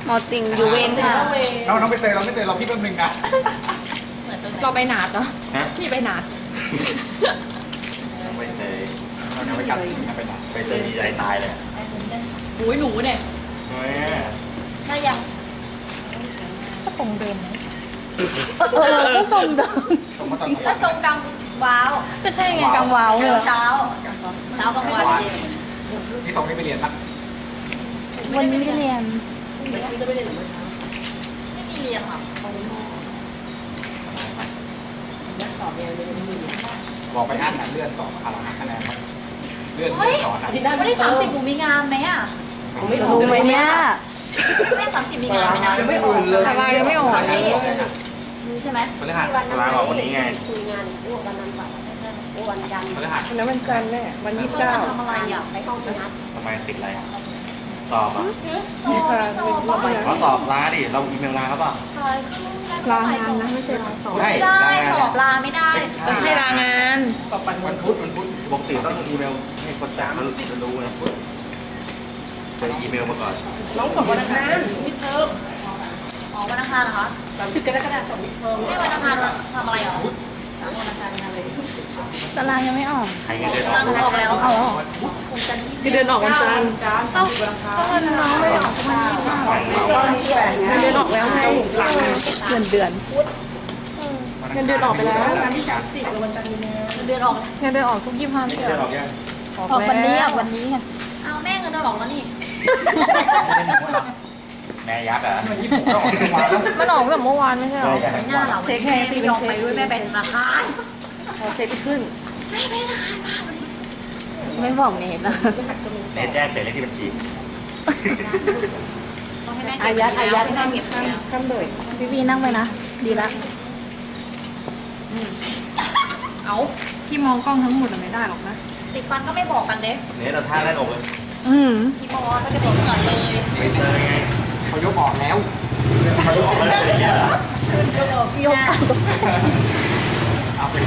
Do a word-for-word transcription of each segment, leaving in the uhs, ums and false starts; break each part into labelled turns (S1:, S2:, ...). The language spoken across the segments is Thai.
S1: หมอติ่งอยู่เวรค่ะ
S2: เราน้องไปเตยเราไม่เตยเราพี่แป๊บนึงนะ
S1: เราไปหนาดเหรอ
S3: ฮะ
S1: พี่ไปหนาด
S3: ไปเตย
S2: เราไปกันไปไหน
S3: ไปเตยดีใจตายเลย
S4: อุ้ยหนูเนี่ย
S3: แม่
S4: น่ายัง
S1: ก็ตรงเดิมไหมเออก็ทรงเดิม
S2: สมมติตอน
S4: ก็ทรงกลางว้าว
S1: ก็ใช่ไงกลางวาวเลย
S4: เช้าเช้ากลางวันเย็น
S2: ที่ตรงนี้ไปเรียนปะ
S1: วันนี้ไม่เรียน
S4: ไม่มีเรียนค่ะ
S2: บอกไปอ่านเลื่อนต่ออะไรนะคะแนนเลื่อน
S4: เฮ้ย
S2: ต่อนะ
S4: วันที่สามสิบหนูมีงานไหมอ่ะ
S1: รู้ไหมเนี่ย
S4: ไม่สามสิบมีงานไหมนะ
S2: ยังไม่อุ่นเลย
S1: แต่ลายยังไม่ออก
S4: รู้ใช่ไหม
S2: พฤหัส
S3: ลาออกวันนี้ไง
S5: คุยงานอ้วกวันนั้นแบบใช่อ้วกวันจันทร์
S2: พฤหัส
S6: วันนั้นวันจันทร์แน่วันยี่สิบ
S4: เพื่อ
S6: เก้า
S4: ทำอะไรอ่ะ
S5: ไปห้องพี่นัด
S3: ทำไมติดอะไรสอบอ่ะ
S4: สอบไม่สอบ
S3: เขาสอบลาดิเราอีเมลลาเขาเปล่า
S4: ลางานนะไม่ใช่สอบ
S2: ใช่
S4: ไม่ได้สอบลาไม่ได้
S1: ให้ลางาน
S2: วันพุธวันพุธ
S3: ปกติต้องอีเมลให้คนจ่ายเขาจะรู้นะเจออีเมลมาก่อน
S6: น้องสอบวันอังคารมิดเทอม
S4: อ๋อวันอังคารเหรอคะ
S6: สามสิบกรกฎาคมสอบมิดเทอม
S4: ไม่วันอังคารทำอะไรเหรอวันอังคารงานอะไร
S1: ตารางยังไม่ออก
S3: ใครเงินเดือนอ
S4: ลา
S3: อก
S4: ออกแล้ว
S1: เอาเหรอ
S6: คือเดือนออกวันจันทร์
S1: เอ้าก็เงินน้องไม่ออกมันยี่สิบห้า
S6: เงินเดือนออกแล้วไงหลัง
S1: เดือนเดือน
S6: เงินเดือนออกไปแล้ววันที่สามสิบกับวันจันทร์มีนา
S4: เดือนออกแล้ว
S1: เงินเดือนออกทุกยี่สิบห้า
S3: เงินเดือนออกยัง
S1: ออกวันนี้อ่ะวันนี้ไง
S4: เอาแม่เงินเดือนออกแล้วนี่
S3: แม่ยักษ์อ่ะ
S2: มันญี่ปุ่นก็ออกทุกวันแล้ว
S1: มันออกแบบเมื่อวานไม่ใช่เหรอ
S4: ไม่น่าเราเช็คให้ไม่ยอมไปด้วยแม่เป็นธนาคาร
S6: พอเช็คขึ้น
S4: แม่เป็นธนาคารมาวันนี้
S1: ไม่บอกเนทนะ
S3: เนแจ้งแต่เลขที่บัญชี
S4: ต้องให้แม่เก็บ
S6: อายัดอายัด
S4: ให้แม่เก็บแล้ว
S6: ข้ามเลย
S1: พี่พีนั่งไปนะ ดีละ
S4: เอา
S1: ที่มองกล้องทั้งหมดไม่ได้หรอกนะ
S4: ติดฟันก็ไม่บอกกันเด้
S3: เนทเราท่าแรกอกเลย
S1: อืม
S4: พี่บอสก็จะติดก่อนเลย
S3: ไปเตยไง
S2: เขายกออกแล้ว
S3: เขาออกมาแล้วอย่างเงี้ยเหรอ
S4: ยก
S2: เอาไป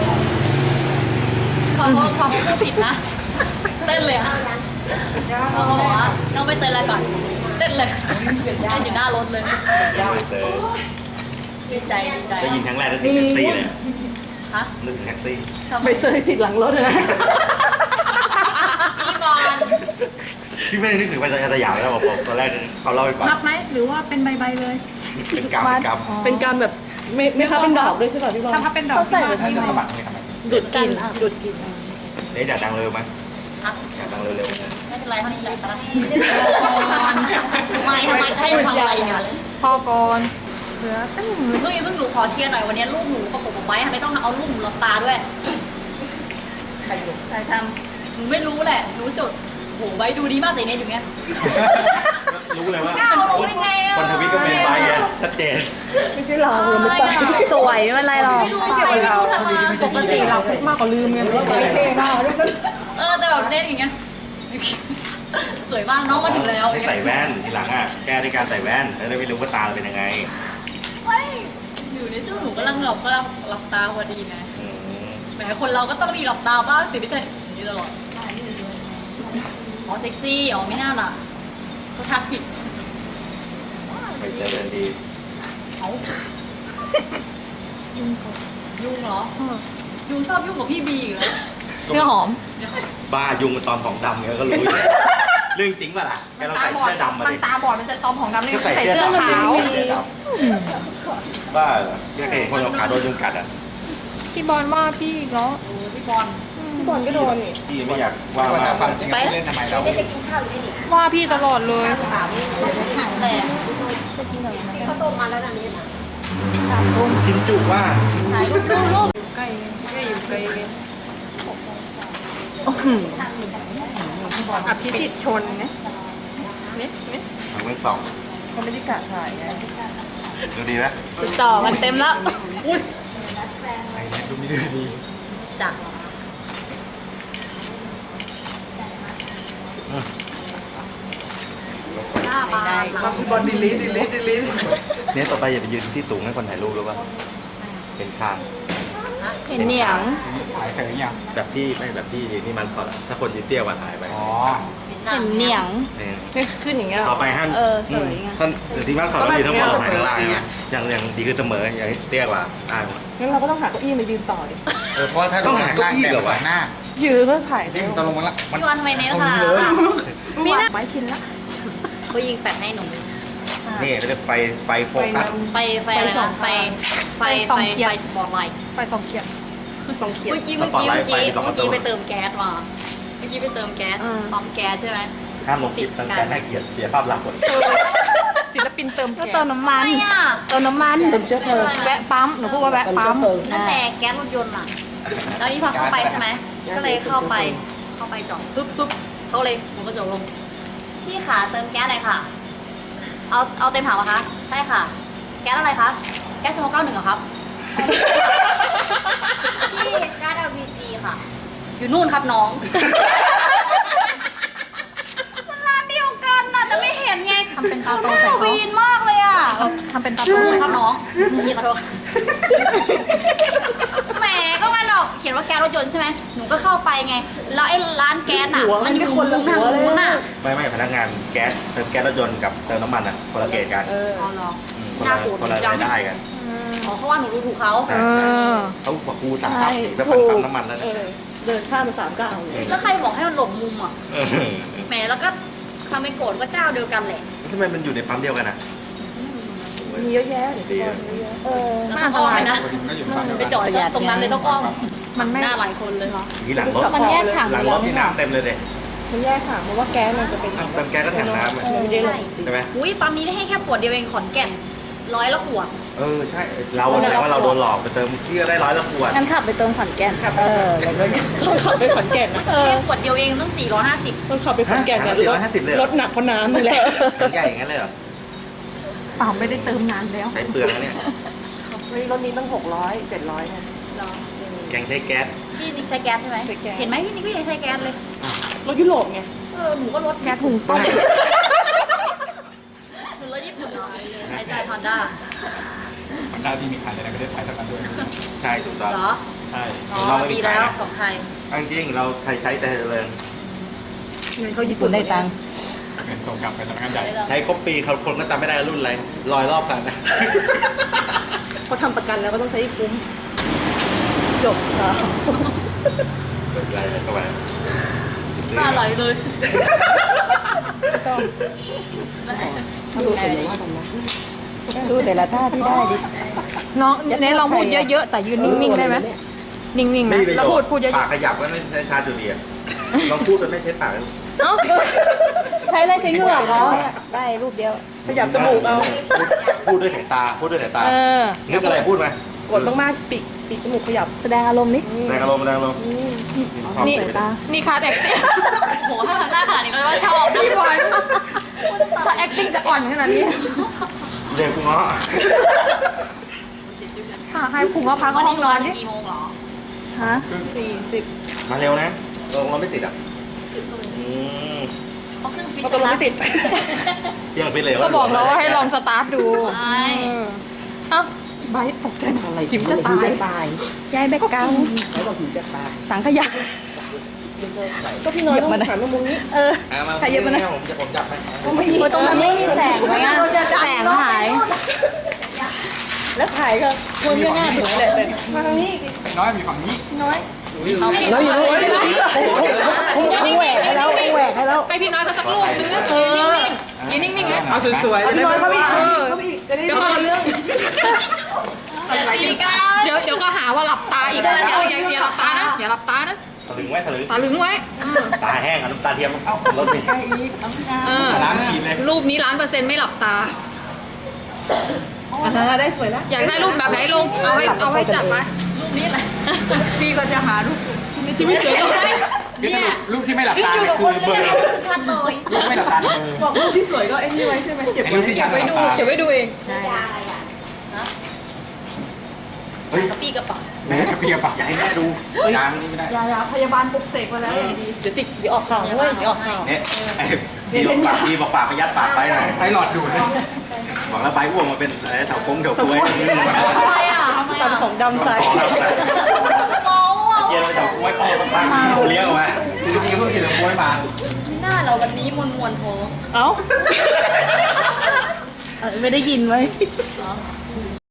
S4: ขอโทษความพูดผิดนะ เต้นเลยอ่ะเขาบอกว่าน้องไปเต้นอะไรก่อน เต้นเลยเต้นอยู่หน้ารถเลย
S3: ไปเตย
S4: ดีใจดีใจ
S3: ได้ยินครั้งแรกนึกถึงแท็กซี่เลย
S4: ฮะ
S3: นึกถึงแท็กซี่
S4: ทำไม
S6: ใบเตยติดหลังรถนะ
S4: พี่บอล
S3: พี่ไม่ได้นึกถึงไปสยามแล้วบอกตอนแรกเขาเล่าให้ฟัง
S1: นับไหมหรือว่าเป็นใบใบเลย
S3: เป็นกรรมเป็นกรรม
S6: เป็นการแบบไม่ไม่ค้าเป็นดอกด้วยใช่ป่ะพี่บอล
S1: ถ้าพับเป็นดอกที่ว่า
S2: ท่านจะสมัครเลยทำไม
S6: ดูดกินดูดกิน
S3: เนทอยากดังเร็วไหม
S4: ฮะ
S3: อยากดังเร็ว
S4: ไม่เป็นไรเท่านี้แหละตอนนี้ทำไมทำไมจะให้ทำอะไรเนี่ย
S1: พอก่อนเหลือตั้ง
S4: เพิ่งเพิ่งหนูขอเคลียร์หน่อยวันนี้ลูกหนูประกบกับไว้ทำไมต้องเอาลูกหนูหลับตาด้วยใครใครทำหนูไม่รู้แหละหนูจุดโหไว้ดูดีมากแต่เนี่ยอยู่เงี้ย
S3: ๆรู้เลยว่า
S4: ก้าวลงได้ไงอ่ะ
S3: คนทวิตก็เป็นไปไงชัดเจน
S6: ไม่ใช่เราเราไม่ต้อง
S1: สวยไม่เป็นไรหรอก
S4: ไม่รู้ใครไม่รู้ทำมา
S1: ปกติเราทุกมากกว่าลืมไง
S4: เออแต่แบบเล่นอย่างเงี้ยสวยมากน้องมาถึงแล้ว
S3: ให้ใส่แว่นทีหลังอ่ะแก้ด้วยการใส่แว่นแล้วได้ไม่รู้ว่าตาเราเป็นยังไง
S4: เฮ้ยอยู่ในช่วงหนูกำลังหลับกำลังหลับตาพอดีไง
S3: อืม
S4: แหมคนเราก็ต้องมีหลับตาบ้างสิไม่ใช่อย่างนี้ตลอดอ๋อเซ็กซี่อ๋อไม่น่าล่ะก็ทักผิด
S3: ไปเจอกันดี
S4: เอายุ่งเหรอยุ่งชอบยุ่งกับพี่บีอยู่แล้ว
S1: เสื้อหอม
S3: บ้ายุงมันตอนของดำเนี่ยก็รู้อยู่เรื่องจริงป่ะล่ะแกต้องใส่เสื้อดำมา
S1: มัน
S3: ดิ
S1: ตาบอดมันจะตอมของดำนี่
S3: ก็ใส่
S1: ใส่
S3: เสื้
S1: เสื้
S3: อ
S1: อ
S3: ดำ
S1: ขาว
S3: เสื้อดำบ้าเหรอแกเคยเห็นคนเอาขาโดนยุงกัดอ่ะ
S1: พี่บอลว่าพี่อีกแล้ว
S4: พี่บอล
S6: พี่บอลก็โดนนี่
S3: พี่ไม่อยากว่า
S2: วัน
S3: มา
S2: นั้นฟังจริงเล่นทำไมเรา
S5: ได้จะกินข้าวหรือไม่ดิ
S1: ว่าพี่ตลอดเลย
S4: แต่
S5: ข้าวต้มมาแล้วนะนี่นะ
S3: กินจุว่า
S4: ถ่ายรูปรูปรูป
S1: ใกล้ใกล้อยู่ไกลเลยอภิสิทธิ์ชนนะนิดนิด
S3: ทางเมืองสอง
S6: เขาไม่ได้กะถ่ายไง
S3: ดูดีไหม
S1: จ่อกันเต็มแล้ว
S4: อุ้ย
S2: ไอ้เนี่ยดูมีดูดี
S4: จัก หน้าบาน
S6: มาพี่บอลดีลิทดีลิทดีลิท
S3: เนี่ยต่อไปอย่าไปยืนที่สูงให้คนถ่ายรูปรู้ป่ะเป็นข้าง
S1: เห็นเหนียง
S2: ถ่ายเสร็จหรือยัง
S3: แบบที่ไม่แบบที่นี่มันพอละถ้าคนยืนเตี้ยกว่าถ่ายไป
S2: อ๋อ
S4: ไม่ใหนั
S6: เห็
S4: ง
S6: นเหนียง
S3: เนี่ย
S6: ไม่ขึ้นอย่างเงี้ยหร
S3: ต่อไปท่าน
S6: เออสวยไง
S3: ท่านทีมงานเขาเรายืนทั้งหมดลงไปข้างล่างนะอย่างอย่างดีคือเสมออย่างเตี้ยกว่าได้หมด
S6: งั้นเราก็ต้องหาเก้าอี้มายืนต่อดิ
S2: เออเพราะว่าถ้าลงข้างล่างแต่ฝั่งหน้า
S6: ยืนเพื่อถ่าย
S2: นี่มันจะลงมาละมัน
S4: พี่วันทำไมเน้นค่ะ
S6: มีหน้าไม้ชินละ
S4: เขายิงแฟลชให้หนู
S3: นี่เขาเรียกไฟไฟโฟกัส
S4: ไฟไฟอะไรนะไฟไฟไฟไฟสปอตไลท์
S1: ไฟสองเขียด
S6: สองเขียน
S4: เมื่อกี้เมื่อกี้เมื่อกี้เมื่อกี้ไปเติมแก๊สมาเมื่อกี้ไปเติมแก๊ส
S6: อืม
S4: ปั๊มแก๊สใช่ไหม
S3: ห้ามลงคลิปตั้งแต่น่าเกลียดเสียภาพลักษณ์หมด
S1: ศิลปินเติม
S6: ก็
S1: แก๊
S6: เติ
S1: ส
S6: มน้ำมัน
S4: ไม่อ่ะ
S6: เติมน้ำมันเติมเชื้อเพลิง
S1: แวะปั๊มหนูพูดว่าแวะปั๊ม
S4: นั่นแหละแก๊สรถยนต์อ่ะแล้วนี่พอเข้าไปใช่ไหมก็เลยเข้าไปเข้าไปจอดปุ๊บปุ๊บเขาเลยหนูก็จอดลงพี่ขาเติมแก๊สอะไรค่ะ เอาเอาเต็มถังเหรอคะใช่ค่ะ แก๊สอะไรคะแก๊สสองเก้าหนึ่งเหรอครับพี่แก๊ส แอล พี จี ค่ะ อยู่นู่นครับน้องมันร้านเดียวกันน่ะแต่ไม่เห็นไง
S1: ทำเป็นตาโตใส่เขา
S4: วีนมากเลยอ่ะ
S1: ทำเป็นตา
S4: อยู่
S1: โต
S4: นู่น
S1: ใส่
S4: ครับ
S1: เขา
S4: น้องพี่ขอโทษแหมก็มันออกเขียนว่าแก๊สรถยนต์ใช่ไหมหนูก็เข้าไปไง แล้วไอ้ร้านแก๊สอ่ะ มันอยู่มุมทางนู้นอ่ะ
S3: ไม่ไม่พนักงานแก๊สเติมแก๊สรถยนต์กับเติมน้ำมันอ่ะคนละเกณฑ์กัน
S6: เออ
S4: อ๋อเหรอ
S3: อืมคน
S4: น่า
S3: ละ
S4: โกรธ
S3: คนละ
S4: จัง
S3: รายได้กัน
S4: อ๋อเขาว่าหนูดูถูกเขา
S3: ใช่
S1: เออ
S3: เขาบอกกูสาม
S6: ใช่
S3: สิบแล้วพันปั๊มน้ำมันแล้ว
S6: เอ
S3: เนี่ย
S6: อเดินข้ามมาสามเก้าเลย
S4: แล้วใครบอกให้มันหลบมุมอ่ะ
S3: เออ
S4: แหมแล้วก็ทำเป็นโกรธก็เจ้าเดียวกันแหละ
S3: ทำไมมันอยู่ในปั๊มเดียวกันอ่ะ
S6: มีเยอะแยะเดี๋ยวพี่บอลเยอะแยะเออ
S4: แล้วต้องอ้อมไปนะ
S2: ปกติมันก็อยู่ฝั่งเดียว
S4: ไป
S2: กัน
S4: จอดตรงนั้นเลยต้องอ้อม
S1: มันไม่
S4: หน้าหลายคนเลยเหรอ
S3: ทีหลังรถ
S6: มันแยกถัง
S3: หลังรถที่น้ำเต็มเลยเลย
S6: มันแยกค่ะเพราะว่าแก๊สมันจะเป็น
S3: อ้าวเติมแก๊สก็แถมน้ำอะ
S6: มันไม่ได้ลง
S3: ใช่ไหม
S4: อุ้ยปั๊มนี้ได้ให้แค่ขวดเดียวเองขอนแก่นร้อยละขวด
S3: เออใช่เราแสดงว่าเราโดนหลอกไปเติมที่ก็ได้ร้อยละขวด
S6: งั้นขับไปเติมขอนแก่นเออแล้วก็ต้องขับไปขอนแก่นนะ
S4: แค่ขวดเดียวเองต้องสี่ร้อยห้าสิบ
S6: ต้องขับไปขอนแก่นเนี่ย
S3: ฮะสี่ร้อยห้าสิบเลยเหรอ
S6: รถหนักเพราะน้ำนี่แหละ
S3: ใหญ่อย่างนั้นเลยเหรอ
S1: เปล่าไม่ได้เติมนานแล้ว
S3: ใช้เปลืองนะเนี่ย
S6: เฮ้ยรถนี้ตั้งหกร้อยเจ็ดร้อยเนี่ย
S3: แกงใช้แก๊ส
S4: พี่นิกใช้แก๊สใช่ไหม
S6: ใช้แก๊ส
S4: เห็นไหมพี่นิกก็ยังใช้แก๊สเลย
S6: รถยุโรปไง
S4: เออหนูก็รถ
S1: แก๊สหุงต้ม
S4: หนูรถญี่ปุ่นเนาะไอใช่ฮอนด้า
S2: มันได้ที่มีขายในประเทศไทยเท่ากันด้วย
S3: ใช่ถูกต้อง
S4: เหรอ
S3: ใช่
S4: อ๋อ
S3: เราไม่
S4: ดี
S3: มี
S4: แล้
S3: ขายว นะ
S4: ของไทย
S3: เอาจริงๆเราไทยใช้แต่เจริญ
S6: เงินเขาญี่ปุ่นได้ตังค์
S2: เงินส่งกลับไปสำนักงานใหญ่
S3: ใช้ครบปีเขาคนก็จำไม่ได้รุ่นอะไรลอยรอบกันนะ
S6: เขาทำประกันแล้วก็ต้องใช้ให้คุ้มจบค่ะ
S3: เปิดอะไรเข้าไป
S4: น่าไหลเลย
S6: ต้องดูแต่ละดูแต่ละท่าที่ได้ดิ
S1: น้องเน้นลองพูดเยอะๆ แต่ยืนนิ่งๆ ได้ไหมนิ่งๆนะแล้วพูดพูดเย
S3: ปาก
S1: อะ
S3: ขยับก็ไม่ใช้ชาจุดเดียวลองพูดจนไม่ใช้ปากเลย
S1: ๆเอ้า
S6: ใช้ได้ใช้เหงื่อเขาได้รูปเดียวขยับจมูกเอา
S3: พูดด้วยสายตาพูดด้วยสายตา
S1: เออ
S3: นึกอะไรพูดไหม
S6: กดมากๆปีกปีกจมูกขยับแสดงอารมณ์นิด
S3: แรงอารมณ์แรงอารมณ์
S1: นี่ นี่คาแอคติ้ง
S4: โหถ้าทำหน้าขนาดนี้ก็ว่าชอบนะ
S1: พี่บอยถ้าแอคติ้งจะอ่อนขนาดนี้
S3: เรียกกูเงาะ
S1: ค่ะให้ผุงมะพร้าวก็
S4: วัน
S1: ห้
S4: นี้
S1: อง
S4: หนู
S1: นอน
S4: น
S1: นี่
S4: กี่โมงเหรอ
S6: ฮะสี่สิบ
S3: มาเร็วนะลงเราไม่ติดอ่ะอืม
S4: เขาขึ้นฟิต
S6: เขาตกลงไม่ติด
S3: เที่ยงไปเลย
S1: ก็บอกแล้วว่าให้ลองสตาร์ทดู
S4: ใช่
S1: เออเอ้าใบตกใจอะไรจิ๋มจะตาย
S6: ยายแบกเก้าเขาบอกถึงจะตายสังขยาก็พี่น้อยต้องหันมามุมนี้เออ
S3: อ่ะมา
S6: ใครเยอะมานะ
S3: ผมจะผมจับไหม
S6: ตรงนั้นไม่มีแสงไหมอ่ะแสงหาย แล้วถ่ายก็คนที่หน้าถึงเลยมาทางนี้
S2: น้อยมีฝั่งนี้
S6: เราอยู่ตรงนี้เขาแหวกให้แล้วเขาแหวกให้แล้ว
S1: ให้พี่น้อยเขาสักลูกนึงนะยืนนิ่งๆยืนนิ่งๆนะ
S2: เอาสวย
S6: พี่น้อยเขาพี่
S1: เออ
S6: เขาพี่จะได้
S1: เดี๋ยวก่อน
S6: เรื่อง
S4: ตีกัน
S1: เดี๋ยวเดี๋ยวก็หาว่าหลับตาอีกนะอย่าอย่าอย่าหลับตานะอย่าหลับตานะ
S3: ถลึงไว้ถลึง
S1: ตาลึงไว้เออ
S3: ตาแห้งอ่ะน้ำตาเทียมเอ้ารถนี่
S1: เออ
S2: ล้างฉีดเลย
S1: รูปนี้ล้านเปอร์เซ็นต์ไม่หลับตา
S6: อ่าได้สวยแล้ว
S1: อยากได้รูปแบบไหนลง เอาให้เอาให้จัดไป
S4: รูปนี้แหละ
S6: พี่ก็จะหารูปที่ไม่สวย
S4: เนี่ย
S2: รูปที่ไม่หลับ
S4: ขึ้น
S2: ตา
S4: อยู่กับ
S2: คื
S4: ค
S2: อน เบ
S4: เลื
S2: อ
S4: อก
S2: ร์
S4: ชัดเลย
S2: รูปไม่หลับตาเบอร์
S6: บอกรูปที่สวยก็ไอ้นี่ไว้ใช่ไหมเก็บ
S2: ไอ้
S6: ไว้
S2: รูปที่
S1: เก็บไว้ดู
S2: ชั
S1: เก็บไว้ดูเอง
S3: เฮ้ย
S4: กระปี้กระเป๋า
S2: แม่กระเพียบปะ
S3: อย่าให้แม่ดูยางนี่ไม่ได้
S1: อย่าอย่าพยาบาลปลุกเสกมาแล้วอย่างดี
S6: เดี๋ยวติดเดี๋ยวออกข่าวด้วยเดี๋ยวออกข่าว
S3: เนี่ยไอ้ดีบอกปากดีบอกปากไปยัดปากไปหน่อย
S2: ใช้หลอดดูดเลย
S3: บอกแล้วใบอ้วกมาเป็นอะไรแถวโค้งแถวกล้วย
S4: ทำไมอ่ะทำไม
S6: ตั
S4: อ่ะ
S6: ดของดำใส่
S4: เมาอ่ะ
S3: เย็นไปแถวกล้วยอ้อมบ้างๆเลี้ยวมา
S2: จริงๆก็คือเราโวยมา
S4: น่าเราวันนี้มวนมวนๆท้อง
S6: เอ้าเอ้ยไม่ได้ยินไหม
S4: เหรอ